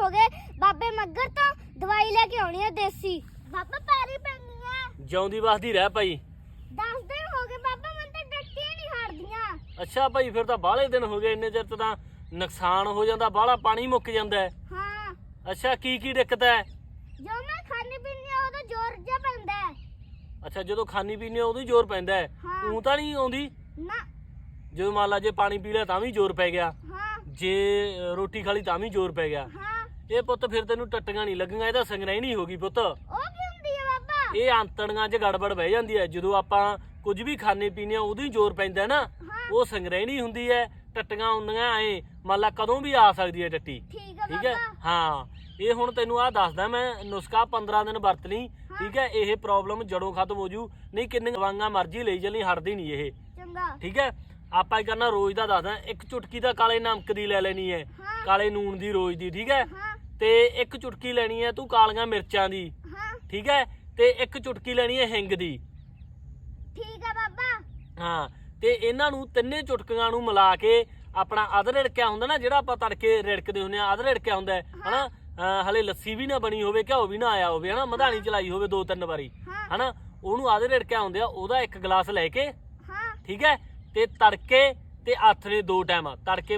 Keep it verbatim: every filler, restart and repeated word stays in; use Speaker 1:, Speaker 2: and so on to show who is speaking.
Speaker 1: ਹੋ ਗਏ ਬਾਬੇ ਮੱਗਰ ਤੋਂ ਦਵਾਈ ਲੈ ਕੇ ਆਉਣੀ ਹੈ ਦੇਸੀ। ਬਾਬਾ ਪੈਰੀ ਪੈਣੀ ਹੈ।
Speaker 2: ਜਿਉਂਦੀ ਵਸਦੀ ਰਹਿ ਭਾਈ।
Speaker 1: ਦਸ ਦਿਨ ਹੋ ਗਏ ਬਾਬਾ, ਮੈਨੂੰ ਤਾਂ ਡੱਟੀਆਂ ਨਹੀਂ ਹਟਦੀਆਂ।
Speaker 2: ਅੱਛਾ ਭਾਈ, ਫਿਰ ਤਾਂ ਬਾਹਲੇ ਦਿਨ ਹੋ ਗਏ, ਇੰਨੇ ਚਿਰ ਚ ਤਾਂ ਨੁਕਸਾਨ ਹੋ ਜਾਂਦਾ, ਬਾਹਲਾ ਪਾਣੀ ਮੁੱਕ ਜਾਂਦਾ ਹੈ।
Speaker 1: ਹਾਂ।
Speaker 2: ਅੱਛਾ, ਕੀ ਕੀ ਦਿੱਕਤ ਹੈ?
Speaker 1: ਜੋ ਮੈਂ ਖਾਣੀ ਪੀਣੀ ਆ ਉਹਦਾ ਜ਼ੋਰ ਜਿਹਾ ਪੈਂਦਾ ਹੈ।
Speaker 2: ਅੱਛਾ, ਜਦੋਂ ਖਾਣੀ ਪੀਣੀ ਉਦੋਂ ਹੀ ਜ਼ੋਰ ਪੈਂਦਾ ਹੈ,
Speaker 1: ਹਾਂ।
Speaker 2: ਊਂ ਤਾਂ ਨਹੀਂ ਆਉਂਦੀ?
Speaker 1: ਨਾ।
Speaker 2: ਜਦੋਂ ਮੰਨ ਲਾ ਜੇ ਪਾਣੀ ਪੀ ਲਿਆ ਤਾਂ ਵੀ ਜ਼ੋਰ ਪੈ ਗਿਆ,
Speaker 1: ਹਾਂ।
Speaker 2: ਜੇ ਰੋਟੀ ਖਾ ਲਈ ਤਾਂ ਵੀ ਜ਼ੋਰ ਪੈ ਗਿਆ।
Speaker 1: ਹਾਂ।
Speaker 2: ਇਹ ਪੁੱਤ ਫਿਰ ਤੈਨੂੰ ਟੱਟੀਆਂ ਨਹੀਂ ਲੱਗੀਆਂ, ਇਹ ਤਾਂ ਸੰਗ੍ਰਹਿਣੀ ਹੋ ਗਈ ਪੁੱਤ।
Speaker 1: ਉਹ ਕੀ ਹੁੰਦੀ ਹੈ ਬਾਬਾ?
Speaker 2: ਇਹ ਆਂਤੜੀਆਂ 'ਚ ਗੜਬੜ ਬਹਿ ਜਾਂਦੀ ਹੈ, ਜਦੋਂ ਆਪਾਂ ਕੁਝ ਵੀ ਖਾਣੇ ਪੀਣੇ ਉਦੋਂ ਹੀ ਜ਼ੋਰ ਪੈਂਦਾ ਨਾ, ਉਹ ਸੰਗ੍ਰਹਿਣੀ ਹੁੰਦੀ ਹੈ। ਟੱਟੀਆਂ ਹੁੰਦੀਆਂ ਐ ਮੰਨ ਲਾ ਕਦੋਂ ਵੀ ਆ ਸਕਦੀ ਹੈ ਟੱਟੀ।
Speaker 1: ਠੀਕ ਹੈ
Speaker 2: ਠੀਕ ਹੈ।
Speaker 1: ਬਾਬਾ।
Speaker 2: ਹਾਂ, ਇਹ ਹੁਣ ਤੈਨੂੰ ਆਹ ਦੱਸਦਾ ਮੈਂ ਨੁਸਖਾ, ਪੰਦਰਾਂ ਦਿਨ ਵਰਤ ਲਈ, ਠੀਕ ਹੈ। ਇਹ ਪ੍ਰੋਬਲਮ ਜੜੋਂ ਖਤਮ ਹੋ ਜੂ, ਨਹੀਂ ਕਿੰਨੀਆਂ ਦਵਾਈਆਂ ਮਰਜ਼ੀ ਲਈ ਚੱਲੀ, ਹਟਦੀ ਨਹੀਂ ਇਹ।
Speaker 1: ਚੰਗਾ।
Speaker 2: ਠੀਕ ਹੈ। ਆਪਾਂ ਕੀ ਕਰਨਾ, ਰੋਜ਼ ਦਾ ਦੱਸਦਾ, ਇੱਕ ਚੁਟਕੀ ਤਾਂ ਕਾਲੇ ਨਮਕ ਦੀ ਲੈ ਲੈਣੀ ਹੈ,
Speaker 1: ਹਾਂ।
Speaker 2: ਕਾਲੇ ਨੂਣ ਦੀ ਰੋਜ਼ ਦੀ। ਠੀਕ ਹੈ।
Speaker 1: ਹਾਂ।
Speaker 2: ਤੇ ਇੱਕ ਚੁਟਕੀ ਲੈਣੀ ਹੈ ਤੂੰ ਕਾਲੀਆਂ ਮਿਰਚਾਂ ਦੀ।
Speaker 1: ਹਾਂ।
Speaker 2: ਠੀਕ ਹੈ। ਤੇ ਇੱਕ ਚੁਟਕੀ ਲੈਣੀ ਹੈ ਹਿੰਗ ਦੀ।
Speaker 1: ਠੀਕ ਹੈ ਬਾਬਾ।
Speaker 2: ਹਾਂ, ਤੇ ਇਹਨਾਂ ਨੂੰ ਤਿੰਨੇ ਚੁਟਕੀਆਂ ਨੂੰ ਮਿਲਾ ਕੇ ਆਪਣਾ ਅਧ ਰਿੜਕਿਆ ਹੁੰਦਾ ਨਾ, ਜਿਹੜਾ ਆਪਾਂ ਤੜਕੇ ਰਿੜਕਦੇ ਹੁੰਦੇ ਆ, ਅਧ ਰਿੜਕਿਆ ਹੁੰਦਾ ਹੈ ਹਨਾ। ਹਲੇ ਲੱਸੀ ਵੀ ਨਾ ਬਣੀ ਹੋਵੇ, ਘਿਓ ਵੀ ਨਾ ਆਇਆ ਹੋਵੇ ਹਨਾ, ਮਧਾਣੀ ਚਲਾਈ ਹੋਵੇ ਦੋ ਤਿੰਨ ਵਾਰੀ ਹਨਾ, ਉਹਨੂੰ ਅਧ ਰਿੜਕਿਆ ਹੁੰਦੇ ਆ, ਉਹਦਾ ਇੱਕ ਗਲਾਸ ਲੈ ਕੇ,
Speaker 1: ਹਾਂ।
Speaker 2: ਠੀਕ ਹੈ। ਤੇ ਤੜਕੇ ਤੇ ਹੱਥ ਨੇ ਦੋ ਟਾਈਮ ਤੜਕੇ